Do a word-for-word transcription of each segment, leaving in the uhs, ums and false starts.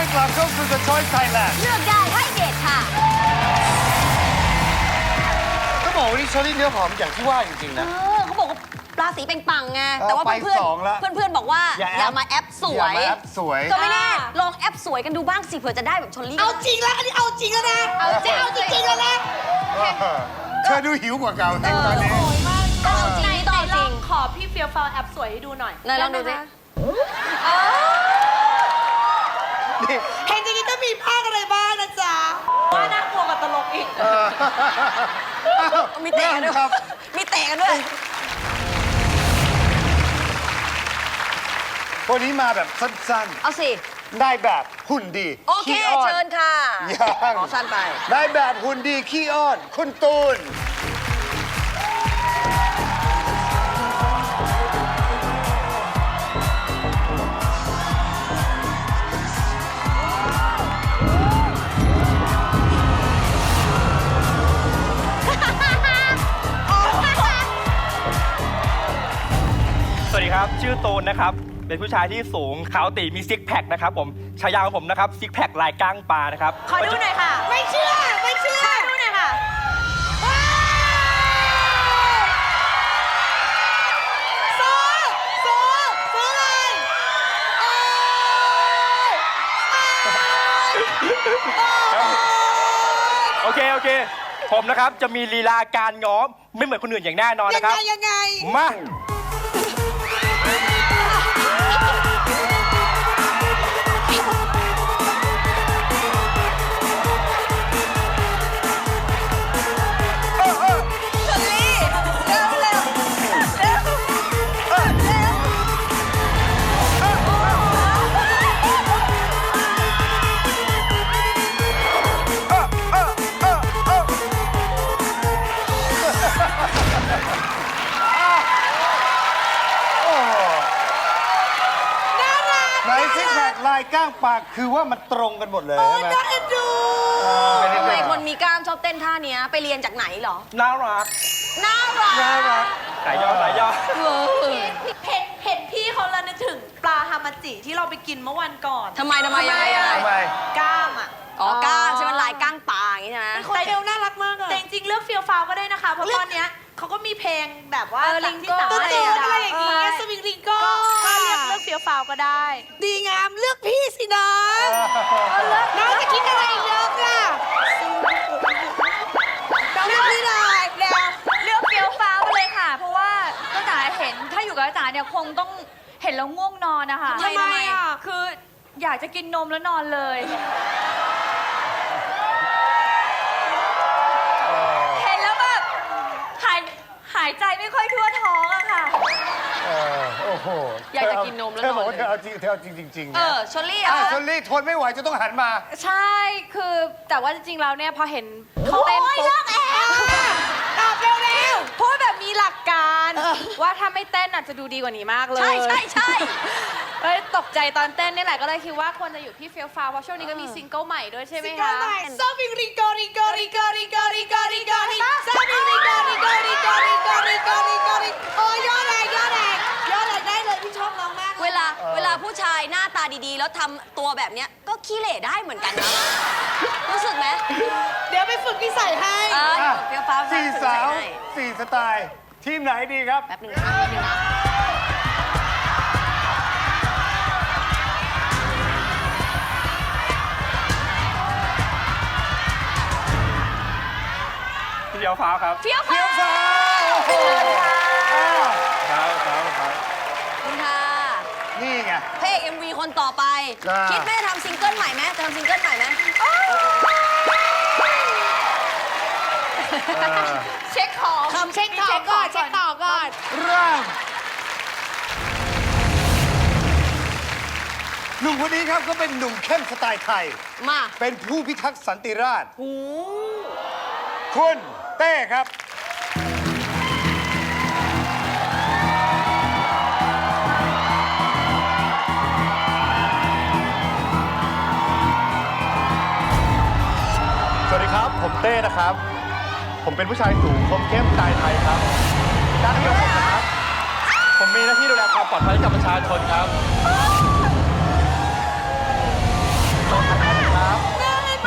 อยกลับเข้าสู่ The Choice Thailand เลือกได้ให้เด็ดค่ะก็บอกวันนี้เชอรี่เนื้อหอมอย่างที่ว่าจริงๆเอนะอเขาบอกว่าราศีเป็นปังไงเออแต่ว่าไปเพื่อนสองละเพื่อนเพื่อนๆบอกว่าอย่าแอปอย่ามาแอปสวอย่าย มาแอปสวยก็ไม่แน่ลองแอปสวยกันดูบ้างสิเผื่อจะได้แบบชลลี่เอาจริงแล้วอันนี้เอาจริงแล้วนะ เอาจริงเอาจริงแล้วนะเธอดูหิวกว่าเก่าจริงตอนนี้ต้องเอาจริงต้องเอาจริงขอพี่เฟียวฟาวแอปสวยให้ดูหน่อยไหนลองดูสินี่เห็นอย่างนี้ต้องมีภาคอะไรบ้างนะจ๊ะว่าน่ากลัวกว่าตลกอีกเออมีเตะกันด้วยครับมีเตะกันด้วยวันนี้มาแบบสั้นเอาสิๆ ได้แบบหุ่นดีโอเคขี้อ้อนเชิญค่ะยังขอสั้นไปได้แบบหุ่นดีขี้อ้อนคุณตูนสวัสดีครับ ชื่อตูนนะครับ เป็นผู้ชายที่สูงขาวตีมีซิกแพคนะครับผมฉายาของผมนะครับซิกแพคลายก้างปลานะครับขอดูหน่อยค่ะไม่เชื่อ ไม่เชื่อขอดูหน่อยค่ะโซโซโซอะไรโอเค โอเค ผมนะครับจะมีลีลาการง้อมไม่เหมือนคนอื่นอย่างแน่นอนยังนะคไงรับยังไงมาไหนซิกแพคลายก้างปากคือว่ามันตรงกันหมดเลยใช่ไหมน่าเอ็นดูทำไมคนมีกล้ามชอบเต้นท่าเนี้ยไปเรียนจากไหนเหรอน่ารักน่ารักน่ารักสายย่อสายย่อเออเห็นเห็นพี่เขาแล้วนึกถึงปลาฮามาจิที่เราไปกินเมื่อวันก่อนทำไมทำไมยังไงยังไงทำไมกล้ามอ่ะอ๋อกล้ามใช่ไหมลายก้างปลาอย่างงี้ใช่ไหมแต่เดลน่ารักมากอะแต่จริงๆเลือกเฟียวฟาวก็ได้นะคะ เพราะตอนเนี้ยเขาก็มีเพลงแบบว่าเออจากที่ลิงโก้สามตัวารถตูเล่นนอะไรได้อย่างเงี้ยสวิงริงโก้ก็ก็เลือกเลือกเฟียวฟาวก็ได้ดีงามเลือกพี่สิน้องน้องจะคิดอะไรเลือกล่ะน้องเลือกพี่หน่อยเร็วเลือกเฟี้ยวฟ้าวมาเลยค่ะ เพราะว่าจ้าจ๋าเห็นถ้าอยู่กับจ้าจ๋าเนี่ยคงต้องเห็นแล้วง่วงนอนนะคะทำไมทำไมอ่ะคืออยากจะกินนมแล้วนอนเลย เห็นแล้วแบบหายหายใจไม่ค่อยทั่วท้องอะค่ะเออโอ้โหอยากจะกินนมแล้วเธอบอกนอนว่าเลยเธอเอาจริงเธอเอาจริงจริงๆเอนะอชลลี่อ่ะอ่ะชลลี่ทนไม่ไหวจะต้องหันมาใช่คือแต่ว่าจริงๆแล้วเนี่ยพอเห็นเขาเต้นปุ๊บตอบเร็วเร็วพูดแบบมีหลักการว่าถ้าไม่เต้นอาจจะดูดีกว่านี้มากเลยใช่ใช่ใช่เอ้ยตกใจตอนเต้นนี่แหละก็เลยคิดว่าควรจะอยู่ที่เฟี้ยวฟ้าวเพราะช่วงนี้ก็มีซิงเกิลใหม่ด้วยใช่ไหมซิงเกิคะลใหม่สวิงริงโกริงโกริงโกริงโกริงโกริงโกริงสวิงริงโกริงโกริงโกริงโกริงโกริงโกริงโอ้ยอดแรงยอดแรงยอดแรงได้เลยพี่ชอบน้องมากเวลาเวลาผู้ชายหน้าตาดีๆ แล้วทำตัวแบบเนี้ยก็ขี้เหร่ได้เหมือนกันนะ รู้สึกไหมเดี๋ยวไปฝึกนิสัยให้เอออ่ะเฟี้ยวฟ้าวสี่ฝึกสาวใให้สี่สไตล์ ทีมไหนดีครับแป๊บหนึงนะแป๊บหนึงนะพี่เดียวฟ้าวครับเฟี้ยวเฟี้ฟ้ายว วฟ้าวโอ้โหอ้าวฟ้าวฟ้าวฟ้าวคุณค่ะนี่ไงพระเอก เอ็ม วี คนต่อไปอ่าคิดไหมจะทำซิงเกิลใหม่ไหมจะทำซิงเกิลใหม่ไหมเออเช็คของทำเช็คต่อก่อนเช็คต่อก่อนเริ่มหนุ่มคนนี้ครับก็เป็นหนุ่มเข้มสไตล์ไทยมาเป็นผู้พิทักษ์สันติราษฎร์หูคุณเต้ครับสวัสดีครับ ผมเต้นะครับ ผมเป็นผู้ชายสูงคมเข้มสไตล์ไทยครับด้านเดียวผมนะครับ ผมมีหน้าที่ดูแลความปลอดภัยให้กับประชาชนครับโอ้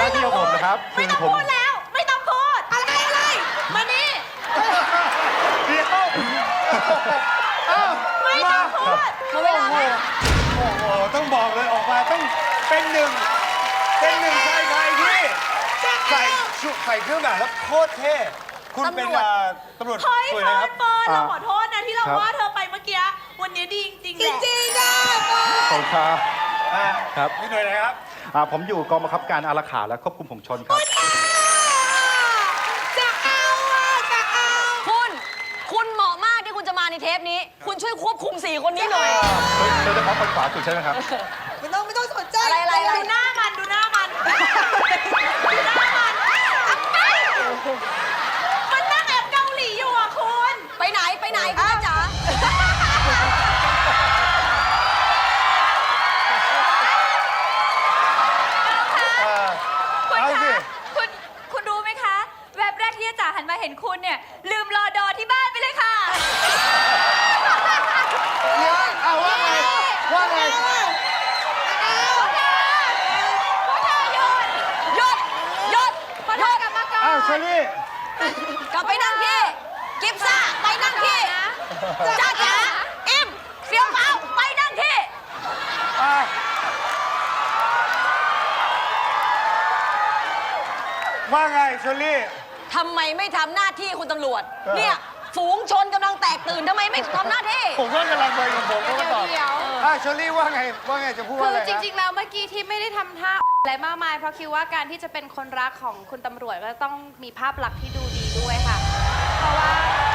น้าที่ของผมนะครับไม่คือต้องผมพูดแล้ว ไม่ต้องพูดอะไรอะไรมานี่เดี๋ยวอ้าวไม่ต้องพูดหมดเวลาแล้วโอ้โห ต้องบอกเลยออกมาต้องเป็นหนึ่ง เป็นหนึ่งชายไทยที่ใส่ชุดใส่เครื่องแบบแล้วโคตรเท่ คุณเป็นเอ่อตำรวจเฮ้ยสวยเฟินะคร์รันบเฟิร์นอ่าเราขอโทษนะที่เราครับว่าเธอไปเมื่อกี้ วันนี้ดีจริงๆแหจละริงๆนะบอลขอบคุณครับอ่าครับนี่หน่วยไหนครับอ่าผมอยู่กองบังคับการอารักขาและควบคุมฝูงชนครับจะเอาอ่ะจะเอาคุณ คุณเหมาะมากที่คุณจะมาในเทปนี้ คุณช่วยควบคุมสี่คนนี้หน่อยโดยเฉพาะคนขวาสุดใช่ไหมครับไม่ต้องไม่ต้องสนใจอะไรอะไรอะไรดูหน้ามัน ดูหน้ามัน ดูหน้ามัน มันนั่งแอบเกาหลีอยู่อ่ะคุณไปไหนไปไหนคุณจ๊ะจ๋าคุณเอาสิคะคุณคุณรู้ไหมคะ แวบแรกที่จ๋าหันมาเห็นคุณเนี่ย ลืมรอดอที่บ้านไปเลยค่ะเดี๋ยวเอาว่าไง ว่าไงหยุดหยุดหยุดอ้าวเชอรี่กลับไปนั่งที่ กิฟซ่าไปนั่งที่จ้าจ๋าอิมเฟี้ยวฟ้าวไปนั่งที่อ่าว่าไงเชอรี่ทำไมไม่ทำหน้าที่คุณตำรวจ เนี่ย ฝูงชนกำลังแตกตื่นทำไมไม่ทำหน้าที่ผมก็กำลังไปกับผมก็มาตอบเดี๋ยวอ่าเชอรี่ว่าไง ว่าไงจะพูดคืว่าออะไรจนะริง ๆ แล้วเมื่อกี้ที่ไม่ได้ทำท่าอะไรมากมาย เพราะคิดว่าการที่จะเป็นคนรักของคุณตำรวจก็ต้องมีภาพลักษณ์ที่ดูดีด้วยค่ะ เพราะว่า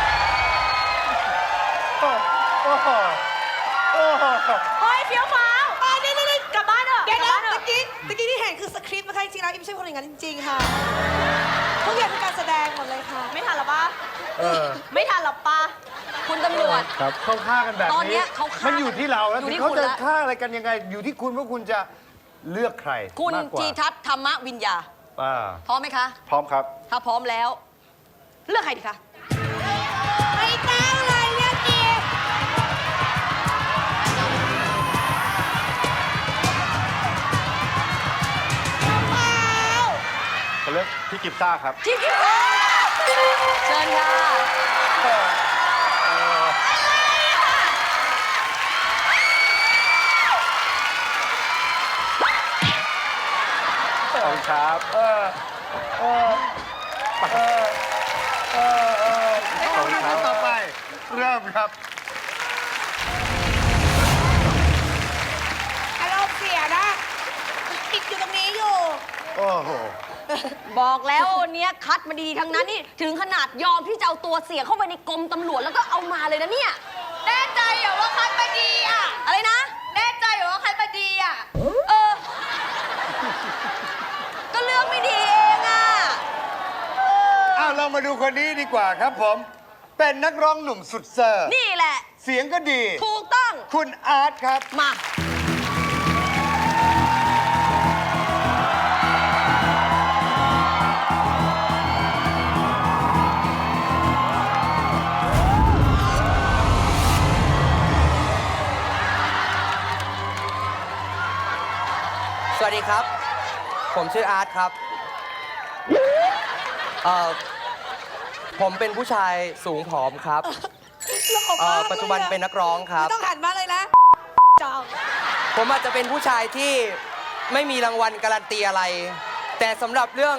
โอ้โอ้โหโอ้โหเฮ้ยเฟี้ยวฟ้าวเอ้ยนี่นี่นี่กลับบ้านเถอะเดี๋ยวกลันะบบ้านเถเมื่อะอกี้เมื่อกี้ที่เห็นคือสคริปต์นะคะจริงๆแล้วอิมไม่ใช่คนอย่างนั้นจริง ๆ ค่ะทุกอย่างเป็นการแสดงหมดเลยค่ะไม่ทันหรอปะเออไม่ทันหรอปะคุณตำรวจครับเขาฆ่ากันแบบตอนเนี้นี้ยเขาฆ่ามันอยู่ที่เราแล้วอยู่ที่เขาคุณจะละฆ่าอะไรกันยังไง อยู่ที่คุณว่าคุณจะเลือกใครคุณมากกว่าทีทัศน์ธรรมวิญญาอ่าพร้อมไหมคะพร้อมครับถ้าพร้อมแล้ว เลือกใครดีคะไม่ต้องเลยเรื่องอีกจะเลือกพี่กิฟซ่าครับที่คิดว่าเชิญค่ะขอบคุณครับเออ เออ เออ เออ เออขอบคุณครับต่อไป เริ่มครับอารมณ์เสียนะติดอยู่ตรงนี้อยู่โอ้โหบอกแล้ววันเนี้ยคัดมาดีๆทั้งนั้นนี่ถึงขนาดยอมที่จะเอาตัวเสียเข้าไปในกรมตำรวจแล้วก็เอามาเลยนะเนี่ยแน่ใจเหรอว่าคัดมาดีอ่ะอะไรนะแน่ใจเหรอว่าคัดมาดีอ่ะเออ ก็เลือกไม่ดีเองอ่ะอ้าวเรามาดูคนนี้ดีกว่าครับผม เป็นนักร้องหนุ่มสุดเซอร์นี่แหละเสียงก็ดีถูกต้องคุณอาร์ตครับมาสวัสดีครับ ผมชื่ออาร์ตครับเอ่อผมเป็นผู้ชายสูงผอมครับเอ่อปัจจุบันเป็นนักร้องครับไม่ต้องหันมาเลยนะจองผมอาจจะเป็นผู้ชายที่ไม่มีรางวัลการันตีอะไร แต่สำหรับเรื่อง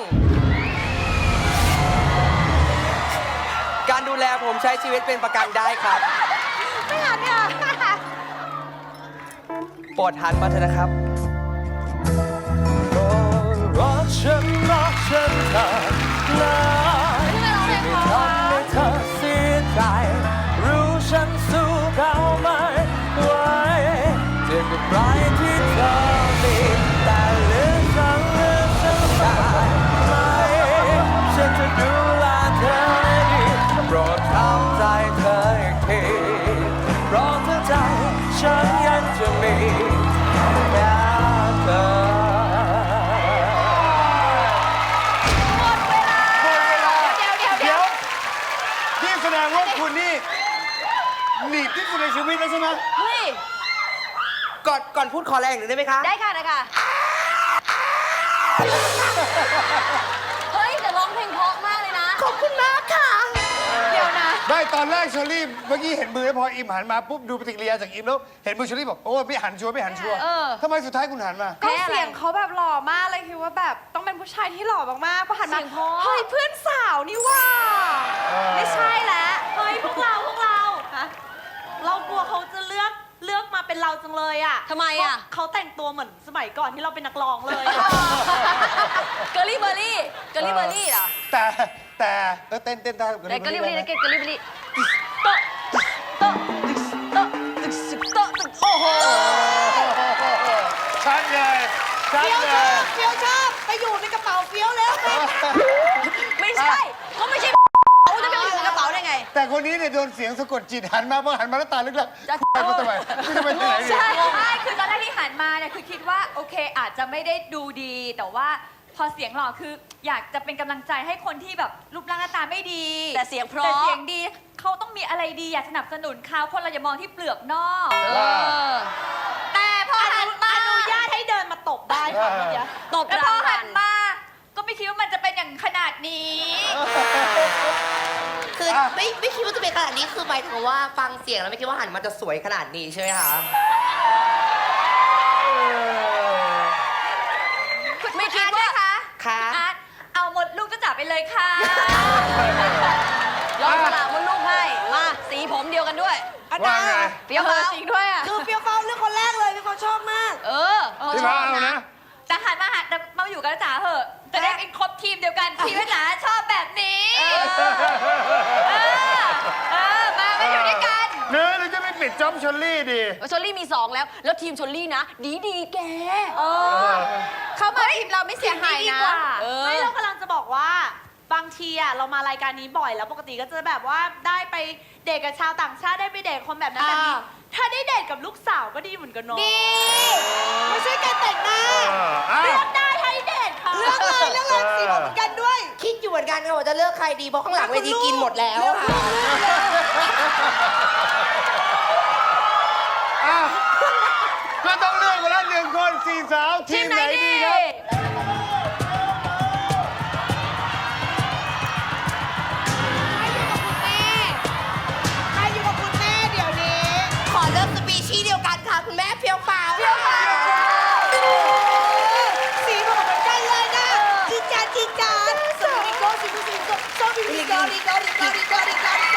การดูแลผมใช้ชีวิตเป็นประกันได้ครับไม่หันเนี่ยโปรดหันมาเถอะนะครับรักฉันรักฉันเธอนะที่ไม่ทำให้เธอเสียใจรู้ฉันสู้เขาไม่ไหวเจ็บกับใครที่เธอมีแต่เหลือฉันเหลือฉันได้ไหมฉันจะดูแลเธอให้ดีโปรดทำใจเธออีกทีเพราะเธอใจฉันยังจะมีแค่เธอหมดเวลาหมดเวลาเดี๋ยวเดี๋ยวเดี๋เดี๋ยยว วนี่แสดงว่าคุณนี่หนีบที่สุดในชีวิตแล้วใช่ไหมเฮ้ยก่อนก่อนพูดขอแรงหนึ่งได้ไหมคะได้ค่ะได้ค่ะเฮ้ยแต่ร้องเพลงเพราะมากเลยนะขอบคุณมากค่ะเดี๋ยวนะได้ตอนแรกเชอรี่เมื่อกี้เห็นมือแล้วพออิมหันมาปุ๊บดูปฏิกิริยาจากอิมแล้วเห็นมือเชอรี่บอกโอ้ไม่หันชัวร์ไม่หันชัวร์เออทำไมสุดท้ายคุณหันมาก็เสียงเขาแบบหล่อมากเลยคิดว่าแบบต้องเป็นผู้ชายที่หล่อมากๆพอหันมาเสียงเพราะเฮ้ยเพื่อนสาวนี่ว่าเออไม่ใช่แล้วเฮ้ยพวกเราพวกเราฮะเรากลัวเขาจะเลือกเลือกมาเป็นเราจังเลยอ่ะทำไมอ่ะเพราเขาแต่งตัวเหมือนสมัยก่อนที่เราเป็นนักร้องเลยอะเกอร์ลี่เบอร์รี่เกอร์ลี่เบอร์รี่เหรอแต่แต่เออเต้นเต้นได้แต่เกอร์ลี่เบอร์รี่ได้นะเกอร์ลี่เบอร์รี่โต๊ะโต๊ะโต๊ะตึกสึกโต๊ะตึกโอ้โหชัดเลยชัดเฟี้ยวเลชอย บเฟี้ยวชอบไปอยู่ในกระเป๋าเฟี้ยวแล้วแม่ไม่ใช่ก็ไม่ใช่เขาจะไปอยู่ในกระเป๋าได้ไงแต่คนนี้เนี่ยโดนเสียงสะกดจิตหันมาพอหันมาแล้วตาลึกแล้วจะไปมาทำไมนี่จะไปที่ไหนดีใช่ใช่คือตอนแรกที่หันมาเนี่ยคือคิดว่าโอเคอาจจะไม่ได้ดูดี แต่ว่าพอเสียงหล่อคืออยากจะเป็นกำลังใจให้คนที่แบบรูปร่างหน้าตาไม่ดีแต่เสียงเพราะแต่เสียงดีเขาต้องมีอะไรดีอยากสนับสนุนเขาคนเราอย่ามองที่เปลือกนอกเออแต่พอหันมาอนุญาตให้เดินมาตบได้ค่ะเมื่อกี้ตบแล้วพราองวัหัลนมา ก็ไม่คิดว่ามันจะเป็นอย่างขนาดนี้คือไม่ไม่คิดว่าจะเป็นขนาดนี้คือหมายถึงว่าฟังเสียงแล้วไม่คิดว่าหันมาจะสวยขนาดนี้ใช่ไหมคะไม่คิดว่าคะค่ะอาร์ตเอาหมดลูกจะจับไปเลยค่ะลองสลากมดลูกให้ มาสีผมเดียวกันด้วยอันว่านั้นไงเปรี้ยวฟ้าวจริงด้วยอ่ะคือเฟี้ยวฟ้าวเรื่องคนแรกเลยเฟี้ยวฟ้าวชอบมากเออพี่ฟ้าเอานะแต่หันมาหันมาอยู่กับจ๋าเหอะ จะได้เป็นครบทีมเดียวกัน ทีมจ๋าชอบแบบนี้ เออ เออ มามาอยู่ด้วยกันเนื้อหรือจะไม่ปิดจ็อบเชอรี่ดีชลลี่มีสองแล้ว แล้วทีมชลลี่นะ ดีดีแกเออ เขามาทีมเราไม่เสียหายดีนะกว่าเออไม่เรากำลังจะบอกว่าบางทีอ่ะเรามารายการนี้บ่อยแล้วปกติก็จะแบบว่าได้ไปเดทกับชาวต่างชาติได้ไปเดทคนแบบนั้นแบบนี้อ่าถ้าได้เดทกับลูกสาวก็ดีเหมือนกันเนาะดี ไม่ใช่การแต่งหน้าอ้าวเลือกได้ให้เดทค่ะเลือกเลยเลือกเลยสีผมเหมือนกันด้วย คิดอยู่เหมือนกันค่ะว่าจะเลือกใครดีเพราะข้างหลังเวทีกินหมดแล้วค่ะอ้าวก็ต้องเลือกมาแล้วหนึ่งคนสี่สาวทีมไหนดีครับใครอยู่กับคุณแม่เดี๋ยวนี้ ขอเลือกสปีชีส์เดียวกันค่ะ คุณแม่เฟี้ยวฟ้าวเฟี้ยวฟ้าวสีผมเหมือนกันเลยนะจีจาจีจาสมิโกสิคุสิโกโซบิลิโกลิโกลิโกลิโกลิโกลิโก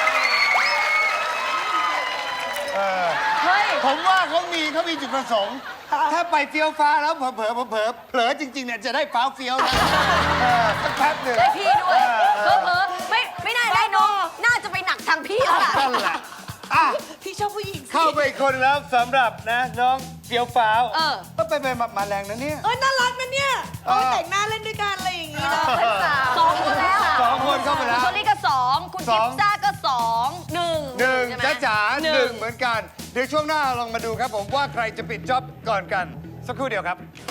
เออเฮ้ยผมว่าเขามีเขามีจุดประสงค์ ถ้าไปเฟี้ยวฟ้าแล้วเผลอเผลอเผลอเผลอจริงๆเนี่ยจะได้ฟ้าวเฟี้ยวนะเออสักแป๊บหนึ่งได้พี่ด้วยเอเพ้ออเพ้อไม่ไม่น่าได้น้อง น่าจะไปหนักทางพี่แล้วล่ะนั่นแหละอ่ะพี่ชอบผู้หญิงสิเข้าไปอีกคนแล้วสำหรับนะน้องเฟี้ยวฟ้าวเออก็ไปไปมามาแรงนะเนี่ยเอ้ยน่ารักนะเนี่ยเอเอาอไปแต่งหน้าเล่นด้วยกันอะไรอย่างงี้เนาะสองคนแล้วสองคนเข้าไปแล้วคุณชลลี่ก็สองคุณสกิองฟซ่าก็สองหนึ่งหนึ่งใช่ไหมจ้าจ๋าหหนึ่นึ่งงเหมือนกัน เดี๋ยวช่วงหน้าลองมาดูครับผมว่าใครจะปิดจ็อบก่อนกัน สักครู่เดียวครับ